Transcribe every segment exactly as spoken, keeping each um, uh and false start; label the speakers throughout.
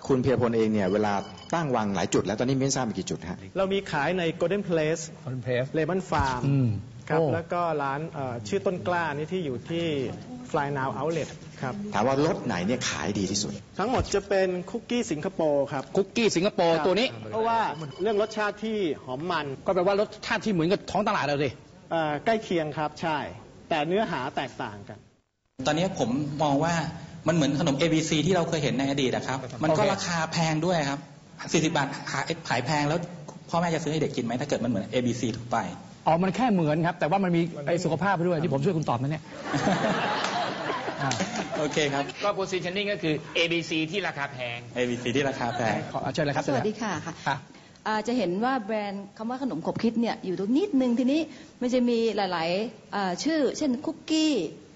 Speaker 1: คุณเพียรพลเองเนี่ยเวลาตั้งวางหลายจุดแล้วตอนนี้ไม่ทราบมีกี่จุดฮะ
Speaker 2: เรามีขายใน Golden Place
Speaker 3: Golden Place
Speaker 2: Lemon Farm ครับแล้วก็ร้านชื่อต้นกล้านี่ที่อยู่ที่ Fly Now Outlet ครับ
Speaker 1: ถามว่ารสไหนเนี่ยขายดีที่สุด
Speaker 2: ทั้งหมดจะเป็นคุกกี้สิงคโปร์ครับ
Speaker 3: คุกกี้สิงคโปร์ตัวนี้
Speaker 2: เพราะว่าเรื่องรสชาติที่หอมมัน
Speaker 3: ก็แปลว่ารสชาติที่เหมือนกับท้องตลาดเราสิ
Speaker 2: ใกล้เคียงครับใช่แต่เนื้อหาแตกต่างกัน
Speaker 4: ตอนนี้ผมมองว่ามันเหมือนขนม เอ บี ซี ที่เราเคยเห็นในอดีตนะครับมันก็ราคาแพงด้วยครับสี่สิบบาทขายแพงแล้วพ่อแม่จะซื้อให้เด็กกินไหมถ้าเกิดมันเหมือน เอ บี ซี ทั่วไป
Speaker 3: อ๋อมันแค่เหมือนครับแต่ว่ามันมีไอ้สุขภาพไปด้วยที่ผมช่วยคุณตอบนั่นเนี่ย
Speaker 4: โอเคครับ
Speaker 5: ก็ positioning ก็คือ เอ บี ซี ที่ราคาแพง
Speaker 4: เอ บี ซี ที่ราคาแพง
Speaker 3: ขอเชิญเลยครับ
Speaker 6: สวัสดีค่ะค่ะจะเห็นว่าแบรนด์คำว่าขนมขบคิดเนี่ยอยู่ตรงนิดนึงทีนี้มันจะมีหลายๆชื่อเช่นคุกกี้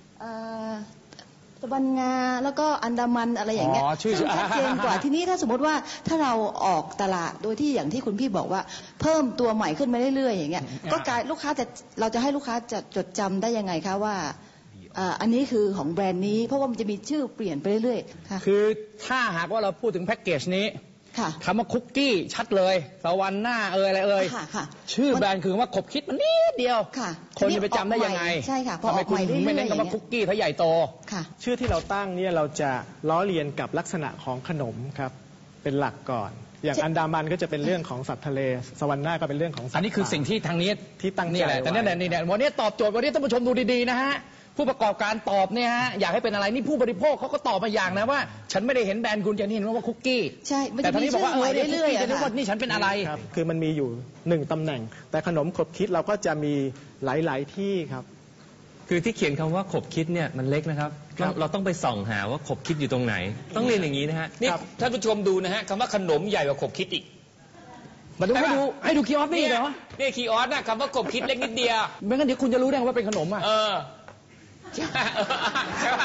Speaker 6: ตะบันงาแล้วก็อันดามันอะไรอย่างเงี้ย
Speaker 3: ชื่อ
Speaker 6: ชัดเจนกว่าทีนี้ถ้าสมมติว่าถ้าเราออกตลาดโดยที่อย่างที่คุณพี่บอกว่าเพิ่มตัวใหม่ขึ้นมาเรื่อยๆอย่างเงี้ยก็กลายลูกค้าจะเราจะให้ลูกค้าจะจดจำได้ยังไงคะว่าอันนี้คือของแบรนด์นี้เพราะว่ามันจะมีชื่อเปลี่ยนไปเรื่อยๆค่ะ
Speaker 3: คือถ้าหากว่าเราพูดถึงแพ็กเกจนี้คำว่าคุกกี้ชัดเลยสวรรค์หน้าเอ่ยอะไรเอ่ยชื่อแบรนด์คือว่าขบคิดมันนิดเดียวคนจะไปจำได้ยังไง
Speaker 6: ใช่ค่ะพอออก
Speaker 3: ใหม่เรื่อยๆไม่เน้นคำว่าคุกกี้ถ้าใหญ่โต
Speaker 2: ชื่อที่เราตั้งเนี่ยเราจะล้อเลียนกับลักษณะของขนมครับเป็นหลักก่อนอย่างอันดามันก็จะเป็นเรื่องของสัตว์ทะเลสวรรค์หน้าก็เป็นเรื่องของสัตว์
Speaker 3: อันนี้คือสิ่งที่ทางนี้
Speaker 2: ที่ตั้งใจ
Speaker 3: นี่แหละแต่เนี่ยนี่เนี่ยวันนี้ตอบโจทย์วันนี้ท่านผู้ชมดูดีๆนะฮะผู้ประกอบการตอบเนี่ยฮะอยากให้เป็นอะไรนี่ผู้บริโภคเขาก็ตอบมาอย่างนะว่าฉันไม่ได้เห็นแบรนด์คุณจะนี่เห็นว่าคุกกี้
Speaker 6: ใช่
Speaker 3: แต่ท่านนี้บอกว่าเออเนี่ยคุกกี้จะนึกว่านี่ฉันเป็นอะไร
Speaker 2: คือมันมีอยู่หนึ่งตำแหน่งแต่ขนมขบคิดเราก็จะมีหลายๆที่ครับ
Speaker 7: คือที่เขียนคำว่าขบคิดเนี่ยมันเล็กนะครับเราต้องไปส่องหาว่าขบคิดอยู่ตรงไหนต้องเรียนอย่างนี้นะฮะ
Speaker 5: นี่ท่านผู้ชมดูนะฮะคำว่าขนมใหญ่กว่าขบคิดอีก
Speaker 3: มาดูให้ดูให้ดูคีย์ออสนี่เหรอ
Speaker 5: นี่คีย์ออสนะคำว่าขบคิดเล็กนิดเดียว
Speaker 3: ไม่งั้นเดี๋ยวคุณจะรู้ได้ว่าเป็นขนมอ่ะ
Speaker 5: เออใช่ใช่ป่ะ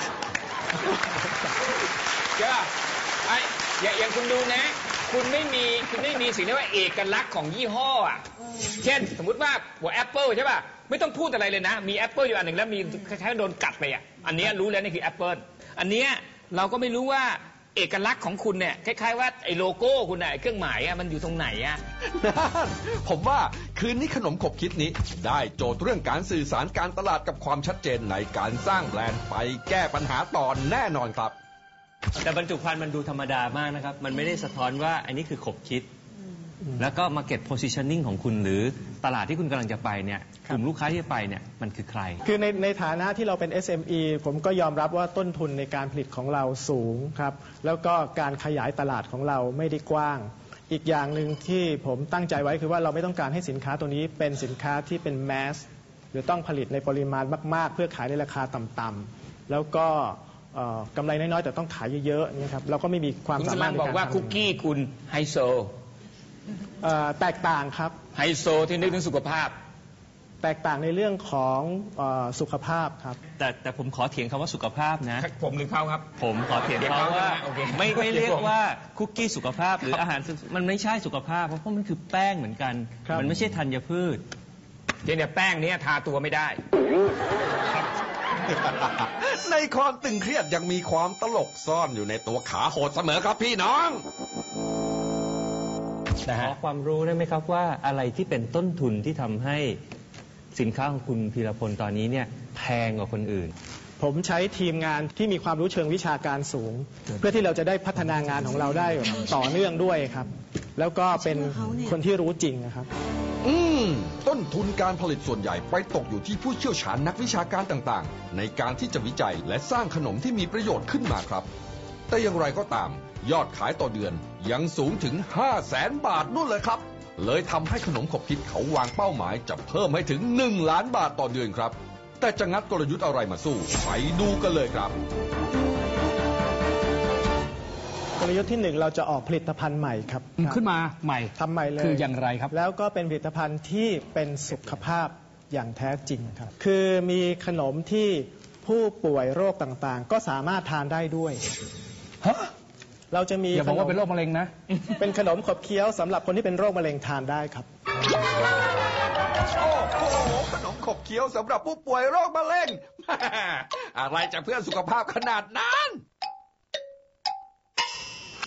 Speaker 5: ใช่ป่ะไอ้อย่างคุณดูนะคุณไม่มีคุณไม่มีสิ่งที่ว่าเอกลักษณ์ของยี่ห้ออ่ะเช่นสมมุติว่าหัวแอปเปิลใช่ป่ะไม่ต้องพูดอะไรเลยนะมีแอปเปิลอยู่อันหนึ่งแล้วมีคล้ายๆโดนกัดไปอ่ะอันนี้รู้แล้วนี่คือแอปเปิลอันนี้เราก็ไม่รู้ว่าเอกลักษณ์ของคุณเนี่ยคล้ายๆว่าไอ้โลโก้คุณน่ะเครื่องหมายอ่ะมันอยู่ตรงไหนอ่ะ
Speaker 8: ผมว่าคืนนี้ขนมขบคิดนี้ได้โจทย์เรื่องการสื่อสารการตลาดกับความชัดเจนในการสร้างแบรนด์ไปแก้ปัญหาตอนแน่นอนครับ
Speaker 7: แต่บรรจุภัณฑ์มันดูธรรมดามากนะครับมันไม่ได้สะท้อนว่าอันนี้คือขบคิดแล้วก็ market positioning ของคุณหรือตลาดที่คุณกำลังจะไปเนี่ยกลุ่มลูกค้าที่จะไปเนี่ยมันคือใคร
Speaker 2: คือในในฐานะที่เราเป็น เอส เอ็ม อี ผมก็ยอมรับว่าต้นทุนในการผลิตของเราสูงครับแล้วก็การขยายตลาดของเราไม่ได้กว้างอีกอย่างหนึ่งที่ผมตั้งใจไว้คือว่าเราไม่ต้องการให้สินค้าตัวนี้เป็นสินค้าที่เป็นแมสหรือต้องผลิตในปริมาณมากๆเพื่อขายในราคาต่ำๆแล้วก็กำไรน้อยๆแต่ต้องขายเยอะๆนี่ครับเราก็ไม่มีความสามารถในการ
Speaker 5: บอกว่าคุกกี้คุณไฮโซ
Speaker 2: แตกต่างครับ
Speaker 5: ไฮโซที่นึกถึงสุขภาพ
Speaker 2: แตกต่างในเรื่องของสุขภาพครับ
Speaker 7: แต่แต่ผมขอเถียงคำว่าสุขภาพนะ
Speaker 5: ผมหรือเขาครับ
Speaker 7: ผมขอเถียงเขาว่าไม่ไม่เรียกว่าคุกกี้สุขภาพหรืออาหารมันไม่ใช่สุขภาพเพราะมันคือแป้งเหมือนกันมันไม่ใช่ธัญพืช
Speaker 5: เนี่ยแป้งนี้ทาตัวไม่ได้
Speaker 8: ในความตึงเครียดยังมีความตลกซ่อนอยู่ในตัวขาโหดเสมอครับพี่น้อง
Speaker 7: ขอความรู้ได้ไหมครับว่าอะไรที่เป็นต้นทุนที่ทำให้สินค้าของคุณพีรพลตอนนี้เนี่ยแพงกว่าคนอื่น
Speaker 2: ผมใช้ทีมงานที่มีความรู้เชิงวิชาการสูงเพื่อที่เราจะได้พัฒนางานของเราได้ต่อเนื่องด้วยครับแล้วก็เป็นคนที่รู้จริงนะครับ
Speaker 8: อืมต้นทุนการผลิตส่วนใหญ่ไปตกอยู่ที่ผู้เชี่ยวชาญนักวิชาการต่างๆในการที่จะวิจัยและสร้างขนมที่มีประโยชน์ขึ้นมาครับแต่อย่างไรก็ตามยอดขายต่อเดือนยังสูงถึง ห้าแสน บาทนู่นเลยครับเลยทำให้ขนมขบคิดเขาวางเป้าหมายจะเพิ่มให้ถึงหนึ่งล้านบาทต่อเดือนครับแต่จะงัดกลยุทธ์อะไรมาสู้ไปดูกันเลยครับ
Speaker 2: กลยุทธ์ที่หนึ่งเราจะออกผลิตภัณฑ์ใหม่ครับ
Speaker 3: ขึ้นมาใหม่
Speaker 2: ทำใหม่เลย
Speaker 3: คืออย่างไรครับ
Speaker 2: แล้วก็เป็นผลิตภัณฑ์ที่เป็นสุขภาพอย่างแท้จริงครับคือมีขนมที่ผู้ป่วยโรคต่างๆก็สามารถทานได้ด้วย
Speaker 3: ฮะ
Speaker 2: เราจะมี
Speaker 3: อย่าบอกว่าเป็นโรคมะเร็งนะ
Speaker 2: เป็นขนมขบเคี้ยวสำหรับคนที่เป็นโรคมะเร็งทานได้ครับ
Speaker 8: โอ้โหขนมขบเคี้ยวสำหรับผู้ป่วยโรคมะเร็งอะไรจะเพื่อสุขภาพขนาดนั้น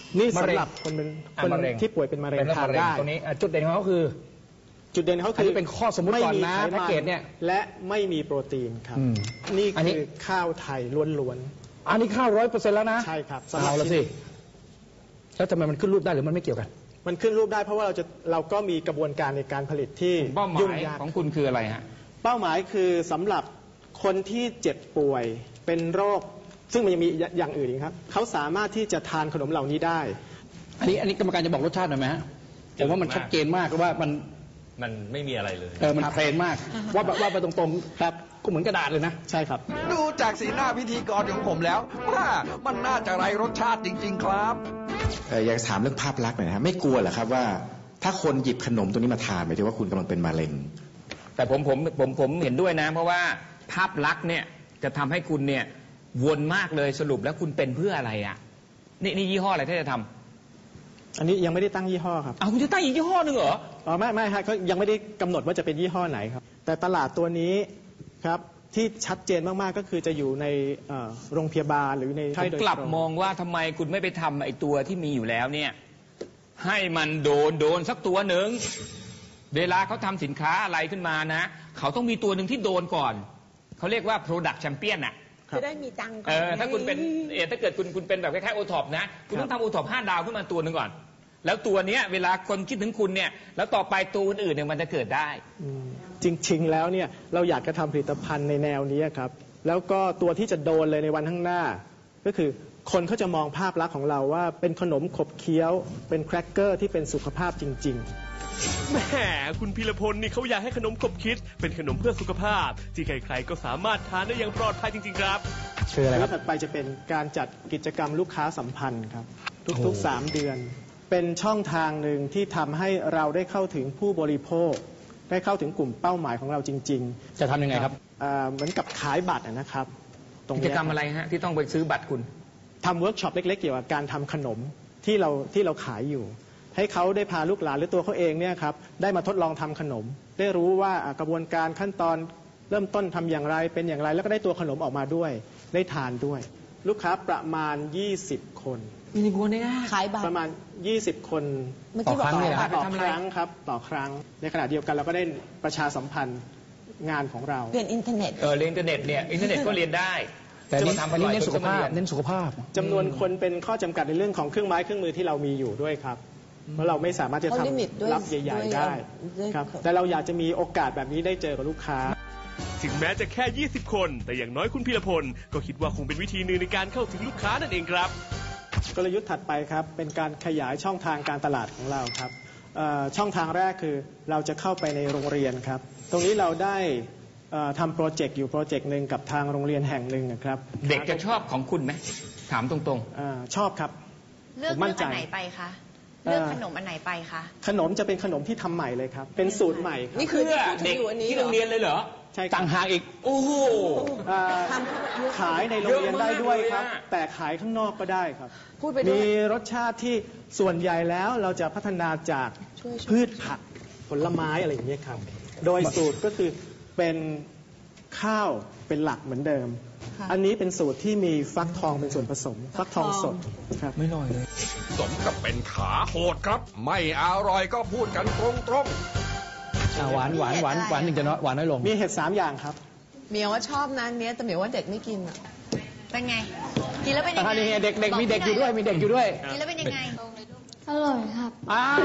Speaker 2: นี่สำหรับคนเป็นคนที่ป่วยเป็นมะเร็งทานได้
Speaker 3: ตรงนี้จุดเด่นของเขาคือ
Speaker 2: จุดเด่นเขาคือ
Speaker 3: เป็นข้อสมมติก่อนนะแพ็กเกจเนี่ย
Speaker 2: และไม่มีโปรตีนครับนี่คือข้าวไทยล้วน
Speaker 3: ๆอันนี้ข้าวร้อยเปอร์เซ็นต์แล้วนะ
Speaker 2: ใช่ครับ
Speaker 3: เอาละสิแล้วทำไมมันขึ้นรูปได้หรือมันไม่เกี่ยวกัน
Speaker 2: มันขึ้นรูปได้เพราะว่าเราจะเราก็มีกระบวนการในการผลิตที่
Speaker 5: ยุ่งยากของคุณคืออะไรฮะ
Speaker 2: เป้าหมายคือสำหรับคนที่เจ็บป่วยเป็นโรคซึ่งมันยังมีอย่างอื่นอีกครับเขาสามารถที่จะทานขนมเหล่านี้ได้
Speaker 3: อันนี้อันนี้กรรมการจะบอกรสชาติหน่อยไหมฮะผมว่ามันชัดเจนมากว่ามัน
Speaker 7: มันไม่มีอะไรเลย
Speaker 3: เออมันเพลนมากว่าว่าไปตรงๆครับก็เหมือนกระดาษเลยนะ
Speaker 2: ใช่ครับ
Speaker 8: ดูจากสีหน้าพิธีกรของผมแล้วว่ามันน่าจะไรรสชาติจริงๆครับ
Speaker 1: อยากถามเรื่องภาพลักษณ์หน่อยนะครับไม่กลัวเหรอครับว่าถ้าคนหยิบขนมตัวนี้มาทานหมายถึงว่าคุณกำลังเป็นมะเร็ง
Speaker 5: แต่ผมผมผมผมเห็นด้วยนะเพราะว่าภาพลักษณ์เนี่ยจะทำให้คุณเนี่ยวนมากเลยสรุปแล้วคุณเป็นเพื่ออะไรอ่ะนี่นี่ยี่ห้ออะไรที่จะทำ
Speaker 2: อันนี้ยังไม่ได้ตั้งยี่ห้อครับ
Speaker 5: อ้าวคุณจะตั้งอีกยี่ห้อหนึ่งเหรอ
Speaker 2: อ๋อไม่ไม่ฮะเขายังไม่ได้กำหนดว่าจะเป็นยี่ห้อไหนครับแต่ตลาดตัวนี้ครับที่ชัดเจนมากๆก็คือจะอยู่ในโรงพยาบาลหรือในค่ายโดยตรง
Speaker 5: กลับมองว่าทำไมคุณไม่ไปทำไอ้ตัวที่มีอยู่แล้วเนี่ยให้มันโดนโดนสักตัวหนึ่งเวลาเขาทำสินค้าอะไรขึ้นมานะเขาต้องมีตัวหนึ่งที่โดนก่อนเขาเรียกว่า product champion อ่ะ
Speaker 9: จะได้มีตังค์ก่อน
Speaker 5: เออถ้าคุณเป็นเออถ้าเกิดคุณคุณเป็นแบบคล้ายๆโอท็อปนะคุณต้องทำโอท็อปห้าดาวขึ้นมาตัวหนึ่งก่อนแล้วตัวเนี้ยเวลาคนคิดถึงคุณเนี่ยแล้วต่อไปตัวอื่นๆเนี่ยมันจะเกิดได้
Speaker 2: จริงๆแล้วเนี่ยเราอยากจะทำผลิตภัณฑ์ในแนวนี้ครับแล้วก็ตัวที่จะโดนเลยในวันข้างหน้าก็คือคนเขาจะมองภาพลักษณ์ของเราว่าเป็นขนมขบเคี้ยวเป็นแครกเกอร์ที่เป็นสุขภาพจริงๆ
Speaker 10: แหมคุณพีรพลนี่เขาอยากให้ขนมขบคิดเป็นขนมเพื่อสุขภาพที่ใครๆก็สามารถทานได้อย่างปลอดภัยจริงๆครับ
Speaker 2: คืออะไรครับถัดไปจะเป็นการจัดกิจกรรมลูกค้าสัมพันธ์ครับทุกๆสามเดือนเป็นช่องทางหนึ่งที่ทำให้เราได้เข้าถึงผู้บริโภคได้เข้าถึงกลุ่มเป้าหมายของเราจริง
Speaker 3: ๆจะทำยังไงครับ
Speaker 2: เหมือนกับขายบัตรนะครับ
Speaker 5: กิจกรรมอะไรฮะที่ต้องไปซื้อบัตรคุณ
Speaker 2: ทำเวิร์กช็อปเล็กๆเกี่ยวกับการทำขนมที่เราที่เราขายอยู่ให้เขาได้พาลูกหลานหรือตัวเขาเองเนี่ยครับได้มาทดลองทำขนมได้รู้ว่ากระบวนการขั้นตอนเริ่มต้นทำอย่างไรเป็นอย่างไรแล้วก็ได้ตัวขนมออกมาด้วยได้ทานด้วยลูกค้าประมาณยี่สิบคน
Speaker 9: มีคนได้ขายบัตร
Speaker 2: ประมาณยี่สิบคน
Speaker 3: ต่อครั้งเลยนะ
Speaker 2: ต่อครั้งครับต่อครั้งในขณะเดียวกันเราก็ได้ประชาสัมพันธ์งานของเรา
Speaker 9: เรียนอินเทอร์เน็ต
Speaker 5: เออเรียนอินเทอร์เน็ตเนี่ยอินเทอร์เน็ตก็เรียนได้
Speaker 3: แต่นี่ทำไปเน้นสุขภาพเน้นสุขภาพ
Speaker 2: จำนวนคนเป็นข้อจำกัดในเรื่องของเครื่องไม้เครื่องมือที่เรามีอยู่ด้วยครับเพราะเราไม่สามารถจะทำรับใหญ่ๆได้ครับแต่เราอยากจะมีโอกาสแบบนี้ได้เจอกับลูกค้า
Speaker 10: ถึงแม้จะแค่ยี่สิบคนแต่อย่างน้อยคุณพีรพลก็คิดว่าคงเป็นวิธีหนึ่งในการเข้าถึงลูกค้านั่นเองครับ
Speaker 2: กลยุทธ์ถัดไปครับเป็นการขยายช่องทางการตลาดของเราครับช่องทางแรกคือเราจะเข้าไปในโรงเรียนครับตรงนี้เราได้ทำโปรเจกต์อยู่โปรเจกต์หนึ่งกับทางโรงเรียนแห่งหนึ่งครับ
Speaker 5: เด็กจะชอบของคุณไหมถามตรง
Speaker 2: ๆชอบครับ
Speaker 9: เลือกเลือกอันไหนไปคะเลือกขนมอันไหนไปคะ
Speaker 2: ขนมจะเป็นขนมที่ทำใหม่เลยครับเป็นสูตรใหม่
Speaker 9: นี่คือเด็ก
Speaker 5: ที่โรงเรียนเลยเหรอ
Speaker 2: ใช่
Speaker 5: ต่างหากอีกโอ้โห
Speaker 2: ขายในโรงเรียนได้ด้วยครับแต่ขายข้างนอกก็ได้ครับมีรสชาติที่ส่วนใหญ่แล้วเราจะพัฒนาจากพืชผักผลไม้อะไรอย่างนี้ครับโดยสูตรก็คือเป็นข้าวเป็นหลักเหมือนเดิมอันนี้เป็นสูตรที่มีฟักทองเป็นส่วนผสมฟักทองสดครับ
Speaker 3: ไม่น้อยเลย
Speaker 8: สมกับเป็นขาโหดครับไม่อร่อยก็พูดกันตรง
Speaker 3: ๆหวานหวานหวานหวานหนึ่งจะน้อยหวานน้อยลง
Speaker 2: มีเห็ดสามอย่างครับ
Speaker 9: เมียว่าชอบนั้นเนี้ยแต่เมียว่าเด็กไม่กินอ่ะเป็นไงกินแล้วเป็นยังไง
Speaker 3: เด็กเด็กมีเด็กอยู่ด้วยมีเด็กอยู่ด้วย
Speaker 9: กินแล้วเป็นยังไง
Speaker 6: อร่อยครับ
Speaker 3: อ้าว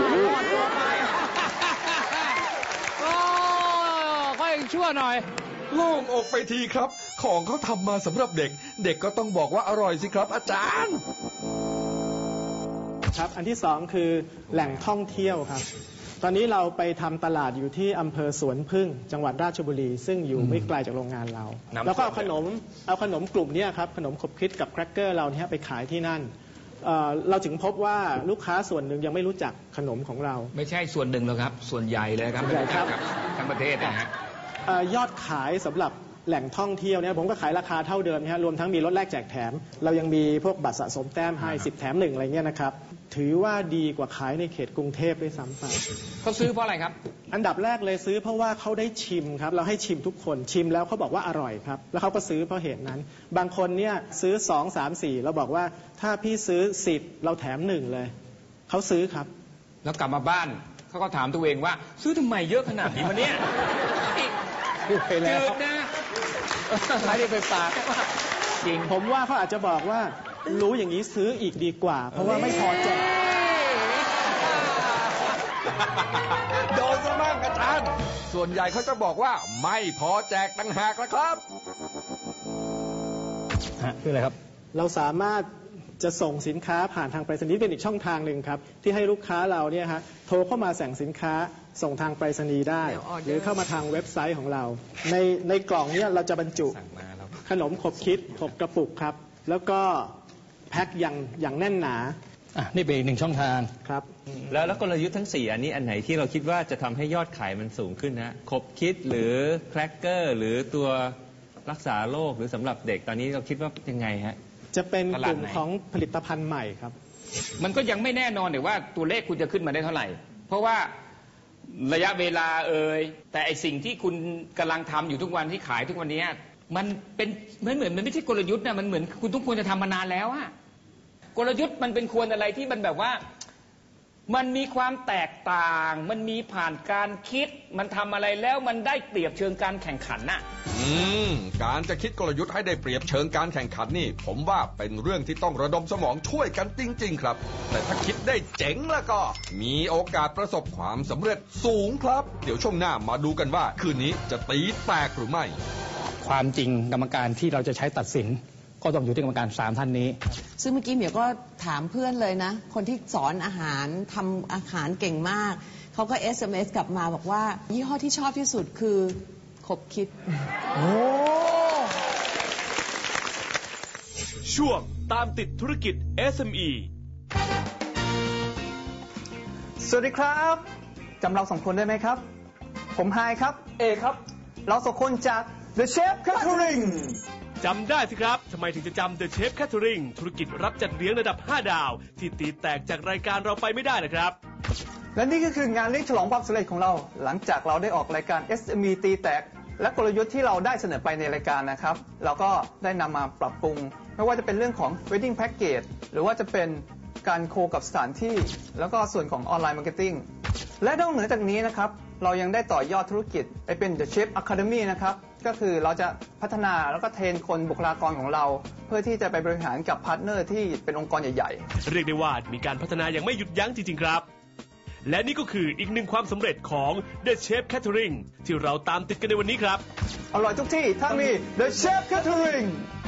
Speaker 3: โอ้ก็ยังชั่วหน่อย
Speaker 8: โล่งอกไปทีครับของเขาทำมาสำหรับเด็กเด็กก็ต้องบอกว่าอร่อยสิครับอาจารย์
Speaker 2: ครับอันที่สองคือแหล่งท่องเที่ยวครับตอนนี้เราไปทำตลาดอยู่ที่อำเภอสวนพึ่งจังหวัดราชบุรีซึ่งอยู่ไม่ไกลจากโรงงานเราแล้วก็เอาขนมเอาขนมกลุ่มนี้ครับขนมขบคิดกับแครกเกอร์เราเนี่ยไปขายที่นั่นเราถึงพบว่าลูกค้าส่วนหนึ่งยังไม่รู้จักขนมของเรา
Speaker 5: ไม่ใช่ส่วนหนึ่งหรอกครับส่วนใหญ่เลยครับ
Speaker 2: ใหญ่ครับ
Speaker 5: ทั้งประเทศนะฮะ
Speaker 2: ยอดขายสำหรับแหล่งท่องเที่ยวเนี่ยผมก็ขายราคาเท่าเดิมนะฮะรวมทั้งมีลดแลกแจกแถมเรายังมีพวกบัตรสะสมแต้มให้สิบแถมหนึ่งอะไรเงี้ยนะครับถือว่าดีกว่าขายในเขตกรุงเทพด้วยซ้ำไป
Speaker 5: เขาซื้อเพราะอะไรครับ
Speaker 2: อันดับแรกเลยซื้อเพราะว่าเขาได้ชิมครับเราให้ชิมทุกคนชิมแล้วเขาบอกว่าอร่อยครับแล้วเขาก็ซื้อเพราะเหตุนั้นบางคนเนี่ยซื้อสองสามสี่เราบอกว่าถ้าพี่ซื้อสิบเราแถมหนึ่งเลยเขาซื้อครับ
Speaker 5: แล้วกลับมาบ้านเขาก็ถามตัวเองว่าซื้อทำไมเยอะขนาดนี้วะเนี่ย
Speaker 2: พูดไปแล้ว
Speaker 5: จืดนะขายได้ไปฝาก
Speaker 2: จริงผมว่าเขาอาจจะบอกว่ารู้อย่างนี้ซื้ออีกดีกว่าเพราะว่าไม่พอแจก
Speaker 8: โดนซะบ้างอาจารย์ส่วนใหญ่เขาจะบอกว่าไม่พอแจกต่างหากละครับ
Speaker 2: คืออะไรครับเราสามารถจะส่งสินค้าผ่านทางไปรษณีย์เป็นอีกช่องทางหนึ่งครับที่ให้ลูกค้าเราเนี่ยฮะโทรเข้ามาสั่งสินค้าส่งทางไปรษณีย์ได้หรือเข้ามาทางเว็บไซต์ของเราในในกล่องเนี่ยเราจะบรรจุขนมขบคิดหกกระปุกครับแล้วก็แพ็คอย่างอย่างแน่นหนา
Speaker 3: อ่ะนี่เป็นอีกหนึ่งช่องทาง
Speaker 2: ครับ
Speaker 7: แล้วแล้วกลยุทธ์ทั้งสี่อันนี้อันไหนที่เราคิดว่าจะทำให้ยอดขายมันสูงขึ้นนะขบคิดหรือแครกเกอร์หรือตัวรักษาโรคหรือสำหรับเด็กตอนนี้เราคิดว่ายังไงฮะ
Speaker 2: จะเป็นกลุ่มของผลิตภัณฑ์ใหม่ครับ
Speaker 5: มันก็ยังไม่แน่นอนเลยว่าตัวเลขคุณจะขึ้นมาได้เท่าไหร่เพราะว่าระยะเวลาเอ่ยแต่ไอสิ่งที่คุณกำลังทำอยู่ทุกวันที่ขายทุกวันนี้มันเป็นไม่เหมือนมันไม่ใช่กลยุทธ์นะมันเหมือนคุณต้องควรจะทำมานานแล้วอะกลยุทธ์มันเป็นควรอะไรที่มันแบบว่ามันมีความแตกต่างมันมีผ่านการคิดมันทำอะไรแล้วมันได้เปรียบเชิงการแข่งขันน่ะ
Speaker 8: อืมการจะคิดกลยุทธ์ให้ได้เปรียบเชิงการแข่งขันนี่ผมว่าเป็นเรื่องที่ต้องระดมสมองช่วยกันจริงๆครับแต่ถ้าคิดได้เจ๋งแล้วก็มีโอกาสประสบความสำเร็จสูงครับเดี๋ยวช่วงหน้ามาดูกันว่าคืนนี้จะตีแตกหรือไม่
Speaker 3: ความจริงกรรมการที่เราจะใช้ตัดสินก็ต้องอยู่ที่กรรมการสามท่านนี้
Speaker 9: ซึ่งเมื่อกี้เหมียวก็ถามเพื่อนเลยนะคนที่สอนอาหารทำอาหารเก่งมากเขาก็ เอส เอ็ม เอส กลับมาบอกว่ายี่ห้อที่ชอบที่สุดคือขบคิดโอ้
Speaker 10: ช่วงตามติดธุรกิจ เอส เอ็ม อี
Speaker 11: สวัสดีครับจำเราสองคนได้ไหมครับผมไฮครับเอครับเราสองคนจาก The Chef Catering
Speaker 10: จำได้สิครับทำไมถึงจะจำ The Chef Catering ธุรกิจรับจัดเลี้ยงระดับห้าดาวที่ตีแตกจากรายการเราไปไม่ได้นะครับ
Speaker 11: และนี่ก็คืองานเลี้ยงฉลองความสำเร็จของเราหลังจากเราได้ออกรายการ เอส เอ็ม อี ตีแตกและกลยุทธ์ที่เราได้เสนอไปในรายการนะครับเราก็ได้นำมาปรับปรุงไม่ว่าจะเป็นเรื่องของ Wedding Package หรือว่าจะเป็นการโคกับสถานที่แล้วก็ส่วนของออนไลน์มาร์เก็ตติ้งและนอกเหนือจากนี้นะครับเรายังได้ต่อยอดธุรกิจไปเป็น The Chef Academy นะครับก็คือเราจะพัฒนาแล้วก็เทรนคนบุคลากรของเราเพื่อที่จะไปบริหารกับพาร์ทเนอร์ที่เป็นองค์กรใหญ่
Speaker 10: ๆเรียกได้ว่ามีการพัฒนาอย่างไม่หยุดยั้งจริงๆครับและนี่ก็คืออีกหนึ่งความสำเร็จของ The Chef Catering ที่เราตามติดกันในวันนี้ครับ
Speaker 11: อร่อยทุกที่ถ้ามี The Chef Catering